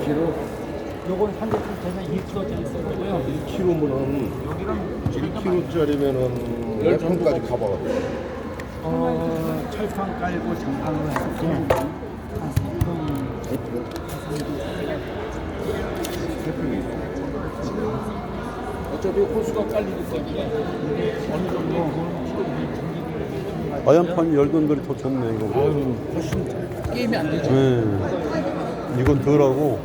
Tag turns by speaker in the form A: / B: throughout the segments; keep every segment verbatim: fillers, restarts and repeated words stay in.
A: 킬로그램.
B: 요건 삼백분짜리 일 킬로그램짜리 썰고요.
A: 일 킬로그램이면은
B: 여기랑
A: 일 킬로그램짜리면은 몇 평까지 가봐가지고.
B: 어, 철판 깔고 장판으로 했을 때한 세 평.
C: 어차피 호수가 깔리니까 어느 정도
D: 아연판 열돈들이 더 좋네 이거.
C: 아유 훨씬 게임이 안 되죠.
D: 네. 이건 덜하고.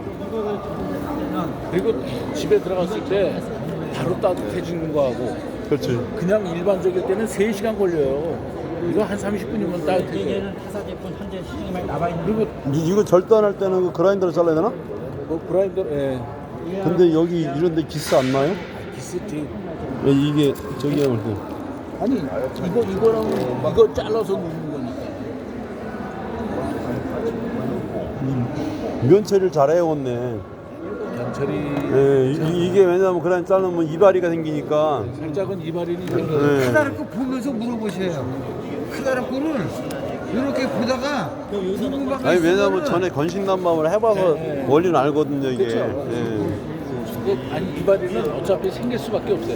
C: 그리고 집에 들어갔을 때 바로 따뜻해지는 거하고
D: 그렇지.
C: 그냥 일반적일 때는 세 시간 걸려요. 이거 한 삼십 분이면 따뜻해져요.
B: 얘는 타사 제품 현재 시중에 많이 나와 있는.
C: 그리고
D: 이- 이거 절단할 때는 그 그라인더로 잘라야 되나?
C: 뭐 그라인더 예.
D: 근데 여기 이런 데 기스 안 나요?
C: 기스티
D: 예, 이게 저기 할 때.
C: 아니 이거 이거랑 이거 잘라서 넣는 거니까.
D: 면체를 잘 해왔네.
C: 양철이
D: 예, 이, 이게 왜냐면 그라인 자르면 이발이가 생기니까.
C: 살짝은 이발인이 생겨요.
D: 예.
E: 크다란 거 보면서 물어보셔요. 크다란 거를 이렇게 보다가 궁금한 게
D: 아니 왜냐면
E: 있으면은
D: 전에 건식난방을 해봐서
C: 네.
D: 원리는 알거든요 이게.
C: 그쵸.
D: 예.
C: 근데 아니 이발인은 어차피 생길 수밖에 없어요.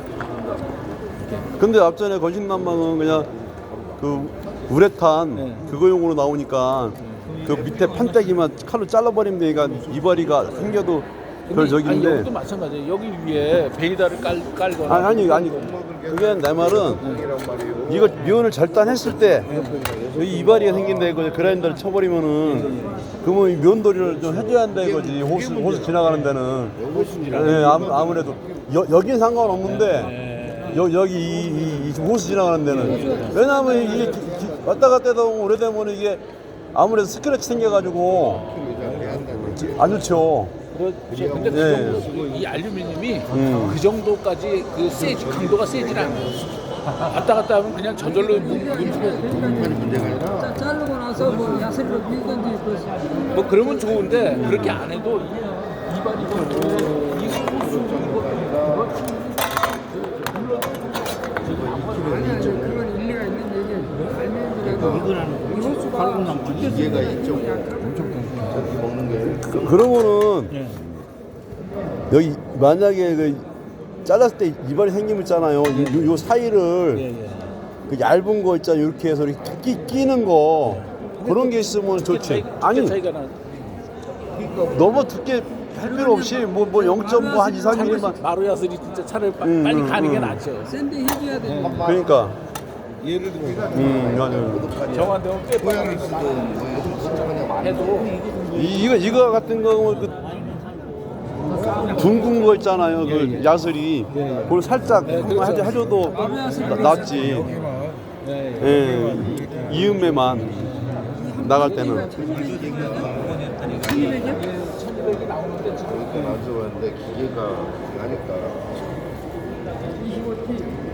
D: 근데 앞전에 건식난방은 그냥 그 우레탄
C: 네.
D: 그거용으로 나오니까 그 밑에 판때기만 칼로 잘라버리면 되니까 이발이가 생겨도 별
C: 근데 아니,
D: 적인데.
C: 여기도 마찬가지예요. 여기 위에 베이다를 깔 깔거나
D: 아니 아니 아니 그게 내 말은 이거 면을 절단했을 때 여기 이발이가 생긴다 이거지. 그라인더를 쳐버리면은 그러면 이 면도리를 좀 해줘야 한다 이거지. 호수 호수 지나가는 데는. 네, 아무, 아무래도 여, 여긴 상관없는데 여, 여기 이, 이, 이 호수 지나가는 데는 왜냐하면 이게 기, 기, 왔다 갔다 하다 보면 오래되면 이게 아무래도 스크래치 생겨가지고 안 좋죠.
C: 그렇죠. 근데
D: 네.
C: 그 정도 이 알루미늄이
D: 음.
C: 그 정도까지 그 세지 강도가 세질 않아요. 왔다 갔다 하면 그냥 저절로 문문문뭐
F: 자, 자르고 나서 뭐 야채를 밀던지 그
C: 뭐 그러면 좋은데 그렇게 안 해도 이- 이발이고 이 호수
F: 아니야, 그건 일리가 있는 얘기예요. 알맹이라도
B: 이거는
F: 이 호수가
B: 발굽나무
A: 이해가 있죠. 엄청 저기 먹는 게.
D: 그, 그러면은 여기 만약에 그 잘랐을 때 이발이 생기면 있잖아요. 요, 요 사이를
C: 예, 예.
D: 그 얇은 거 있잖아요. 이렇게 해서 이렇게 끼, 끼는 거 그런 게 있으면 좋지. 아니
C: 차이가 나.
D: 너무 두께 할 필요 없이 뭐 뭐 영 점 뭐 한 이, 삼 밀리미터만
C: 마루야슬이 진짜 차를 빠-
D: 음,
C: 빨리
D: 음,
C: 가는 게
D: 음.
C: 낫죠.
F: 샌드 해줘야 돼.
D: 그러니까
A: 예를 들어
D: 음 맞아요.
C: 정한 되면 빼빠는 해도
D: 이, 이거 이거 같은 경우는 그 둥근 거 있잖아요. 그 야슬이 그걸 살짝 한번 해줘, 해줘도 나- 낫지.
C: 네.
D: 예, 이음매만 나갈 때는.
A: 가져왔는데 기계가 하니까